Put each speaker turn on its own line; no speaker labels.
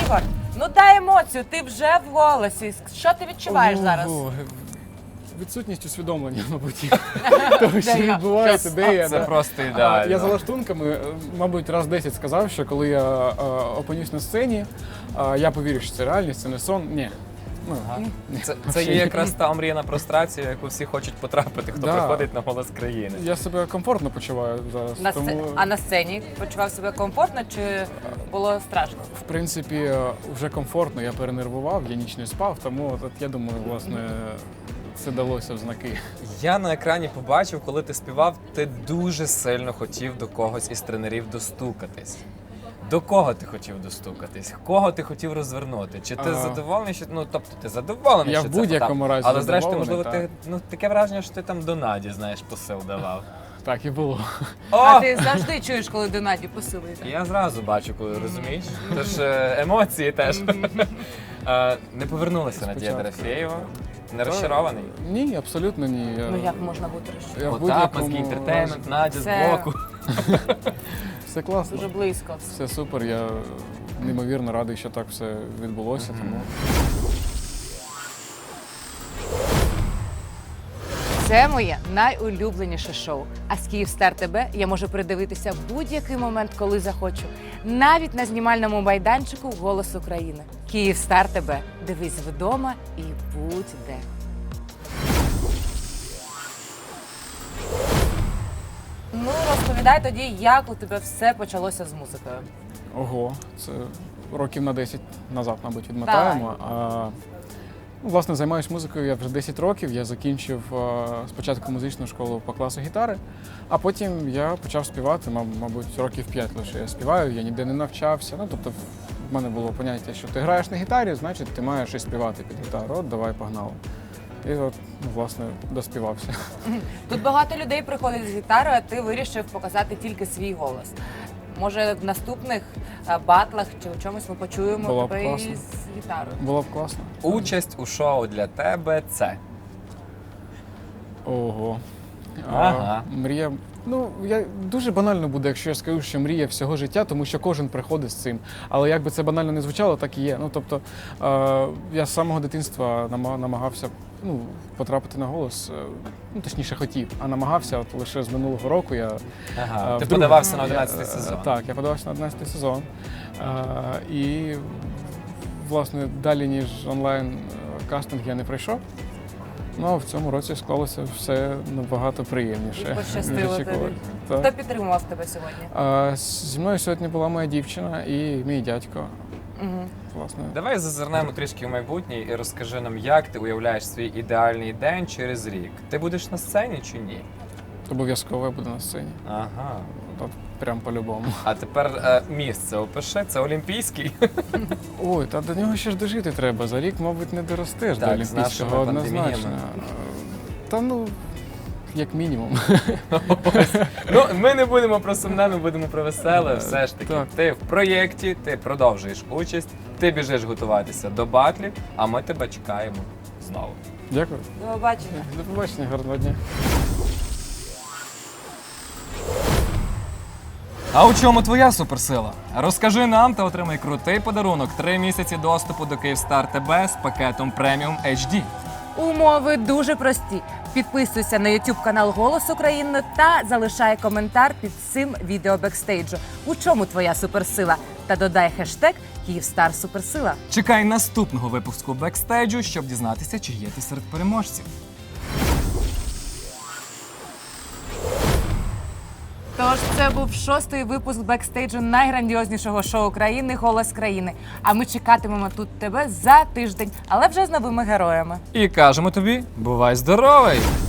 Ігор, ну дай емоцію, ти вже в голосі. Що ти відчуваєш зараз?
Відсутність усвідомлення, мабуть, того, що відбувається, де я.
Це просто ідеально.
Я за лаштунками, мабуть, раз 10 сказав, що коли я опинюсь на сцені, я повірю, що це реальність, це не сон. Ні.
Це є якраз та омріяна прострація, в яку всі хочуть потрапити, хто приходить на «Голос країни».
Я себе комфортно почуваю зараз.
А на сцені почував себе комфортно чи було страшно?
В принципі, вже комфортно, я перенервував, я ніч не спав, тому я думаю, власне, це далося в знаки.
Я на екрані побачив, коли ти співав, ти дуже сильно хотів до когось із тренерів достукатись. До кого ти хотів достукатись? Кого ти хотів розвернути? Чи ти задоволений, що ти задоволений,
я
що
в
це
будь-якому разі
але зрештою,
задоволений,
можливо, ти таке враження, що ти там до Наді, знаєш, посил давав.
Так і було.
А ти завжди чуєш, коли до Наді посилує?
Я зразу бачу, коли розумієш. Тож емоції теж. Не повернулася Надія Дорофєєва. Не розчарований?
Ні, абсолютно ні.
Ну як можна бути розчарованим?
Потапанський інтертеймент, Надя збоку.
Все класно.
Дуже близько.
Все супер, я неймовірно радий, що так все відбулося. Тому...
Це моє найулюбленіше шоу. А з Київстар ТБ я можу придивитися в будь-який момент, коли захочу. Навіть на знімальному майданчику «Голос України». Київстар ТБ. Дивись вдома і будь де. Ну, розповідай тоді, як у тебе все почалося з музикою.
Ого, це років на 10 назад, мабуть, відмотаємо. Власне, займаюся музикою я вже 10 років. Я закінчив спочатку музичну школу по класу гітари, а потім я почав співати, мабуть, років 5 лише я співаю, я ніде не навчався. Ну, тобто в мене було поняття, що ти граєш на гітарі, значить ти маєш і співати під гітару. От, давай, погнали. І от, власне, доспівався.
Тут багато людей приходить з гітарою, а ти вирішив показати тільки свій голос. Може, в наступних батлах чи у чомусь ми почуємо тебе із гітарою?
Було б класно.
Участь у шоу для тебе – це?
Ого.
Ага.
Мрія. Ну, дуже банально буде, якщо я скажу, що мрія всього життя, тому що кожен приходить з цим. Але як би це банально не звучало, так і є. Ну, тобто, я з самого дитинства намагався потрапити на «Голос», точніше хотів, а намагався от лише з минулого року.
Ти подавався на 11-й сезон.
Так, я подавався на 11-й сезон. І, власне, далі, ніж онлайн-кастинг я не прийшов. Ну, а в цьому році склалося все набагато приємніше.
Пощастило тобі. Хто підтримував тебе сьогодні?
Зі мною сьогодні була моя дівчина і мій дядько. Власне.
Давай зазирнемо трішки в майбутнє і розкажи нам, як ти уявляєш свій ідеальний день через рік. Ти будеш на сцені чи ні?
Обов'язково я буду на сцені.
Ага.
От прям по-любому.
А тепер місце опиши, це Олімпійський.
Ой, та до нього ще ж дожити треба. За рік, мабуть, не доростеш до Олімпійського однозначно. Та як мінімум.
Ну, ми не будемо про сумне, ми будемо про веселе. Все ж таки, ти в проєкті, ти продовжуєш участь, ти біжиш готуватися до батлів, а ми тебе чекаємо знову.
Дякую.
До побачення.
До побачення, гарного дня.
А у чому твоя суперсила? Розкажи нам та отримай крутий подарунок – 3 місяці доступу до Київстар ТБ з пакетом преміум HD.
Умови дуже прості. Підписуйся на YouTube канал «Голос України» та залишай коментар під цим відео бекстейджу. У чому твоя суперсила? Та додай хештег «Київстар Суперсила».
Чекай наступного випуску бекстейджу, щоб дізнатися, чи є ти серед переможців.
Тож це був 6-й випуск бекстейджу найграндіознішого шоу країни «Голос країни». А ми чекатимемо тут тебе за тиждень, але вже з новими героями.
І кажемо тобі, бувай здоровий!